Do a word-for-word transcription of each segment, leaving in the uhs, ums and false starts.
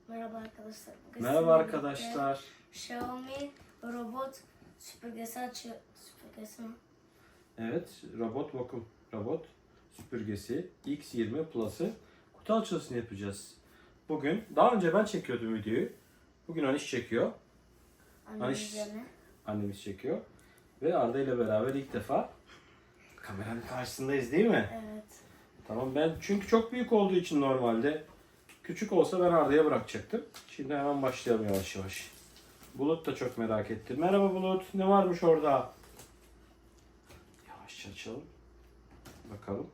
Merhaba arkadaşlar. Bugün Merhaba sizinle arkadaşlar. birlikte Xiaomi robot süpürgesi açıyor. Süpürgesi mi? Evet, robot vakum robot süpürgesi X yirmi Plus'ı kutu açılışını yapacağız. Bugün, daha önce ben çekiyordum videoyu. Bugün Aniş çekiyor. Annemin Aniş, üzerine. annemiz çekiyor. Ve Arda ile beraber ilk defa kameranın karşısındayız değil mi? Evet. Tamam, ben çünkü çok büyük olduğu için normalde küçük olsa ben Arda'ya bırakacaktım. Şimdi hemen başlayalım yavaş yavaş. Bulut da çok merak etti. Merhaba Bulut, ne varmış orada? Yavaşça açalım. Bakalım.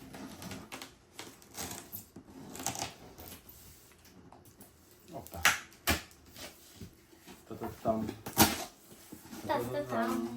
Hoppa. Tatatam. Tatatam.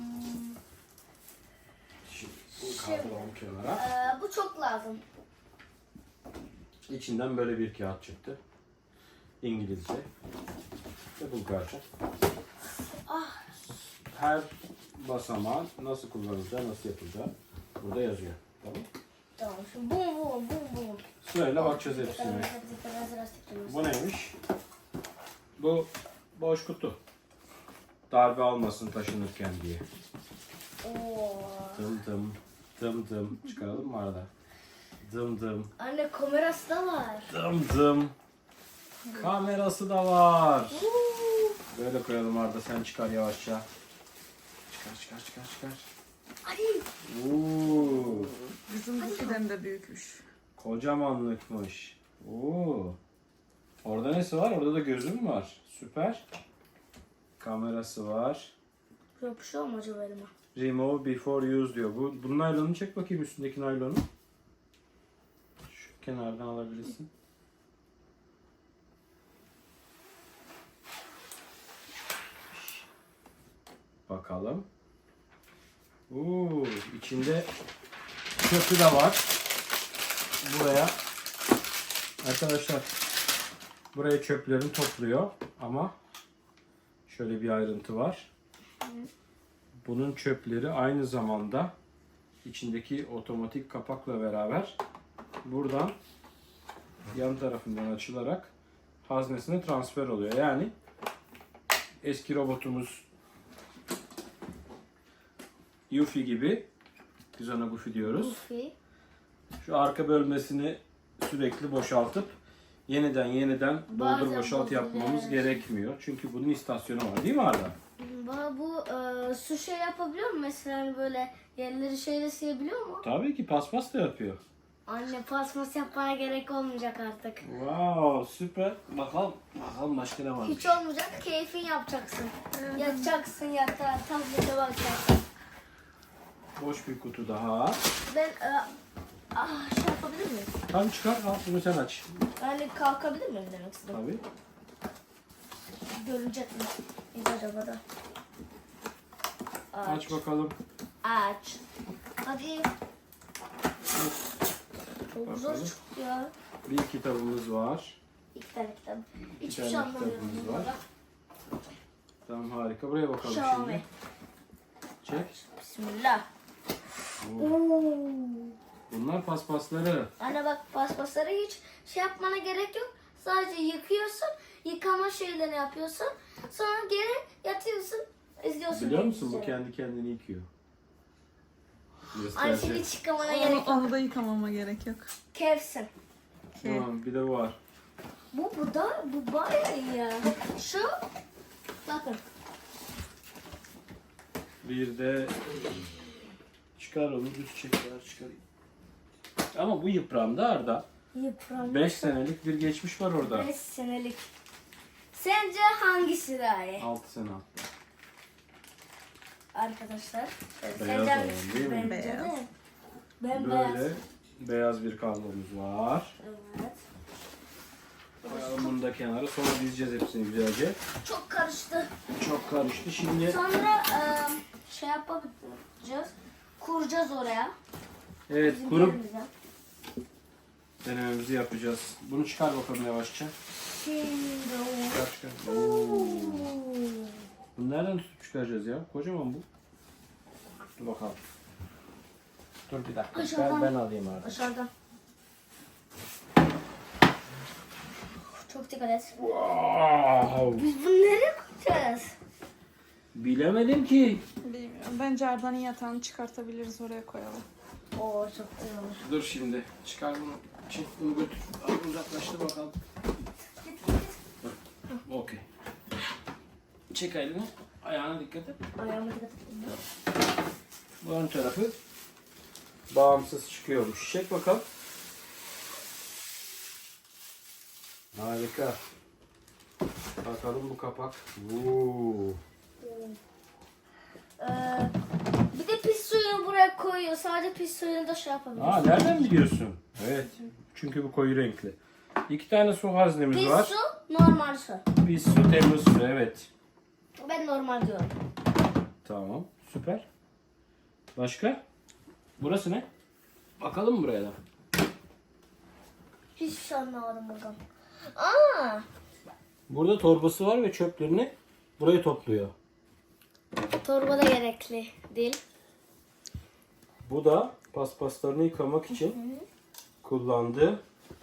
Şimdi bunu kaldıralım kenara. Ee, bu çok lazım. İçinden böyle bir kağıt çıktı. İngilizce ve Bulgarca. Ah. Her basamağın nasıl kullanılacağı, nasıl yapılacağı burada yazıyor. Tamam. Tamam. Şimdi bum bum bum bum. Sırayla bakacağız hepsine. Bu neymiş? Bu boş kutu. Darbe almasın taşınırken diye. Oo. Dım dım. Dım dım. Çıkaralım mı arada? Dım dım. Anne kamerası da var. Dım dım. Kamerası da var. Böyle koyalım Arda, sen çıkar yavaşça. Çıkar çıkar çıkar çıkar. Ay. Oo, Bizimkiden de büyükmüş. kocamanlıkmış. Oo. Orada nesi var? Orada da gözü mü var? Süper. Kamerası var. Yapışıyor mu acaba elime? Remove before use diyor. Bu, bunun naylonunu çek bakayım, üstündeki naylonu. Şu kenardan alabilirsin. Bakalım. Oo, içinde çöpü de var. Buraya arkadaşlar, buraya çöplerini topluyor ama şöyle bir ayrıntı var. Bunun çöpleri aynı zamanda içindeki otomatik kapakla beraber buradan yan tarafından açılarak haznesine transfer oluyor. Yani eski robotumuz Yuffie gibi, biz ona Goofy diyoruz. Goofy. Şu arka bölmesini sürekli boşaltıp yeniden yeniden doldur Bazen boşalt yapmamız bozuluyor. gerekmiyor. Çünkü bunun istasyonu var değil mi Arda? Bana bu e, su şey yapabiliyor mu mesela, hani böyle yerleri şeyle silebiliyor mu? Tabii ki paspas da yapıyor. Anne paspas yapmaya gerek olmayacak artık. Wow, süper. Bakalım, bakalım başka ne varmış. Hiç olmayacak, keyfin yapacaksın. Yatacaksın yatağa, tablete bakacaksın. Boş bir kutu daha. Ben e, ah, şey yapabilir miyim? Tamam, çıkar, al bunu sen aç. Yani kalkabilir miyim demek istedim. Tabii. Görünecek mi? Biz acaba da. Aç. Aç bakalım. Aç. Hadi. Çok zor Bakalım. çıktı ya. Bir kitabımız var. İki tane kitap. Hiçbir tane şey anlamıyorum. kitabımız var. bunlara. Tamam, harika. Buraya bakalım Xiaomi. şimdi. Çek. Bismillah. Oo. Oo. Bunlar paspasları. Anne bak, paspasları hiç şey yapmana gerek yok. Sadece yıkıyorsun, yıkama şeylerini yapıyorsun. Sonra geri yatıyorsun, izliyorsun. Biliyor musun, bu televizyonu. kendi kendini yıkıyor. Anne Göstereceğim. şimdi hiç yıkamana gerek Onu, yok. onu da yıkamama gerek yok. Kevsin. Tamam, bir de bu var. Bu, bu da, bu bayağı iyi ya. Şu, bakın. Bir de çıkar onu, düz çek, ver, çıkarayım. Ama bu yıprandı Arda. Yıpranmış. beş senelik bir geçmiş var orada. beş senelik. Sence hangisi daha iyi? altı sene hatta. Arkadaşlar. Beyaz Sence olan hangisi? değil mi? Bence Beyaz. de. Ben beyaz. Böyle beyaz bir kablomuz var. Evet. Koyalım bunu da kenara, sonra dizeceğiz hepsini güzelce. Çok karıştı. Çok karıştı şimdi. Sonra e, şey yapacağız. Kuracağız oraya. Evet, Bizim kurup yerimize. denememizi yapacağız. Bunu çıkar bakalım yavaşça. Şimdi Çıkar çıkar. o- Oo. Bunu nereden tutup çıkaracağız ya? Kocaman bu. Dur bakalım. Dur bir dakika. Aşağıdan. Ben, ben alayım artık. Aşağıdan. Çok dikkat et. Wow. Biz bunu nereye koyacağız? Bilemedim ki. Bilmiyorum. Bence Arda'nın yatağını çıkartabiliriz, oraya koyalım. Oo çok güzel olur. Dur şimdi. Çıkar bunu. Çek bunu götür. Al uzaklaştır bakalım. Git git git. Okey. Çek elini. Ayağına dikkat et. Ayağıma dikkat et. Bu ön tarafı bağımsız çıkıyormuş. Çek bakalım. Harika. Bakalım bu kapak. Oo. Ee, bir de pis suyunu buraya koyuyor. Sadece pis suyunu da şey yapabiliriz. Aa, nereden biliyorsun? Evet. Çünkü bu koyu renkli. İki tane su haznemiz Pis var. su, normal su. Pis su, temiz su. Evet. Ben normal diyorum. Tamam. Süper. Başka? Burası ne? Bakalım mı buraya da? Hiçbir şey anlamadım buradan. Aa, Burada torbası var ve çöplerini buraya topluyor. torba da gerekli değil. Bu da paspaslarını yıkamak için kullandığı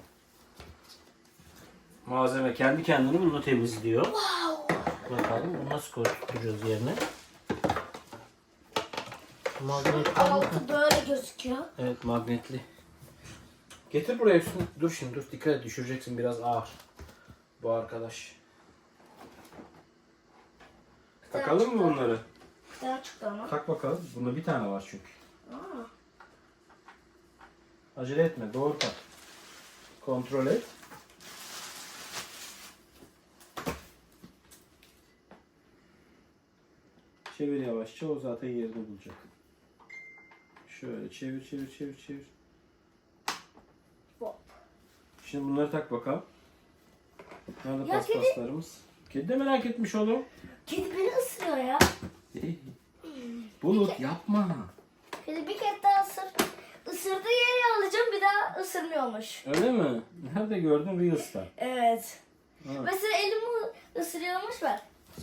malzeme. Kendi kendini bunu temizliyor. Wow. Bakalım bunu nasıl koyacağız yerine. Magnet. Altı böyle gözüküyor. Evet, magnetli. Getir buraya üstüne. Dur şimdi dur, dikkat et, düşüreceksin, biraz ağır. Bu arkadaş. Takalım mı bunları? Güzel çıktı ama. Tak bakalım. Bunda bir tane var çünkü. Aa. Acele etme, doğru tak. Kontrol et. Çevir yavaşça, o zaten yerini bulacak. Şöyle çevir çevir çevir çevir. Hop. Şimdi bunları tak bakalım. Nerede Ya paspaslarımız? Kedi de merak etmiş oğlum. Kedi beni ısırıyor ya. Bulut yapma. Kedi bir kere daha ısır. Isırdığı yeri alacağım, bir daha ısırmıyormuş. Öyle mi? Nerede gördün? Reels'ta. Evet. Ha. Mesela elimi ısırıyormuş ver.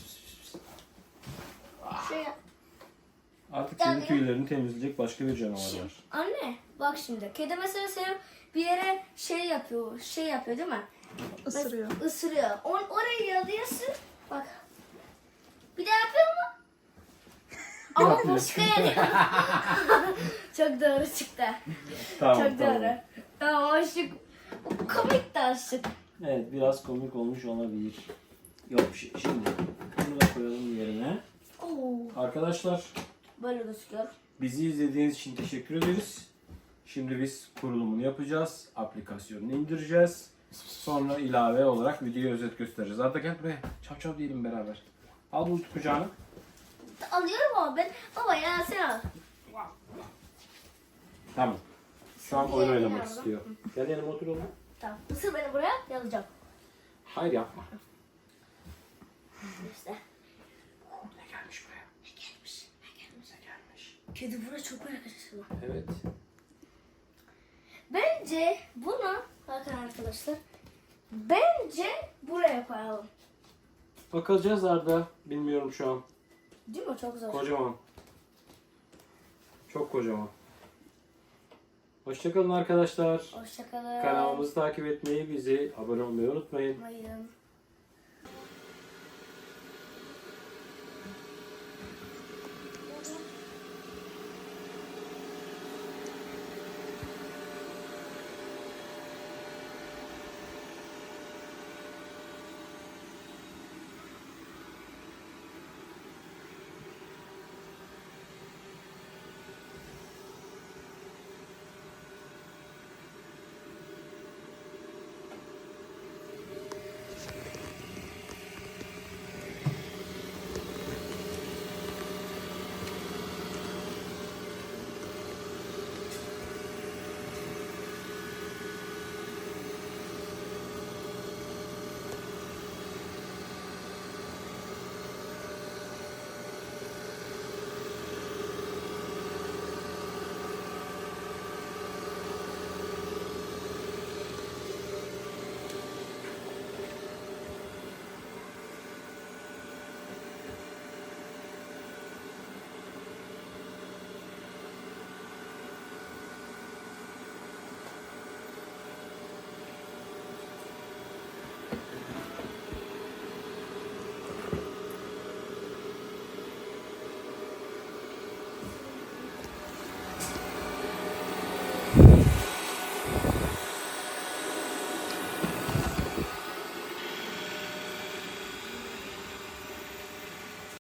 Şey yap. Artık Gel senin ya. tüylerini temizleyecek başka bir canavar var. Anne bak şimdi. Kedi mesela senin bir yere şey yapıyor. Şey yapıyor değil mi? Isırıyor. Isırıyor. On, orayı yalıyorsun. Bak. Bir daha yapıyor mu? Ama Yapıyor. başka yere. Çok doğru çıktı. Tamam, Çok tamam. doğru. Tamam aşık. Komik de aşık. Evet, biraz komik olmuş olabilir. Yok bir şey. Şimdi bunu da koyalım yerine. Oo, Arkadaşlar, böyle gözüküyor. bizi izlediğiniz için teşekkür ederiz. Şimdi biz kurulumunu yapacağız. Aplikasyonunu indireceğiz. Sonra ilave olarak videoya özet göstereceğiz. Arda gel buraya. Çap çap diyelim beraber. Al bunu kucağına. Alıyorum ama ben. Baba ya sen al. Tamam. Şu an Şimdi oyun yerine oynamak alalım. istiyor. Gel yanıma otur oğlum. Tamam. Isır beni buraya yazacağım. Hayır yapma. İşte. Ne gelmiş buraya? Ne gelmiş? Ne gelmiş? Ne gelmiş? Kedi buraya çok merak ediyor. Evet. Bence bunu bakın arkadaşlar. Bence buraya koyalım. Bakacağız Arda. Bilmiyorum şu an. Değil mi? Çok zor. Kocaman. Çok kocaman. Hoşçakalın arkadaşlar. Hoşçakalın. Kanalımızı takip etmeyi, bizi abone olmayı unutmayın. Mayın.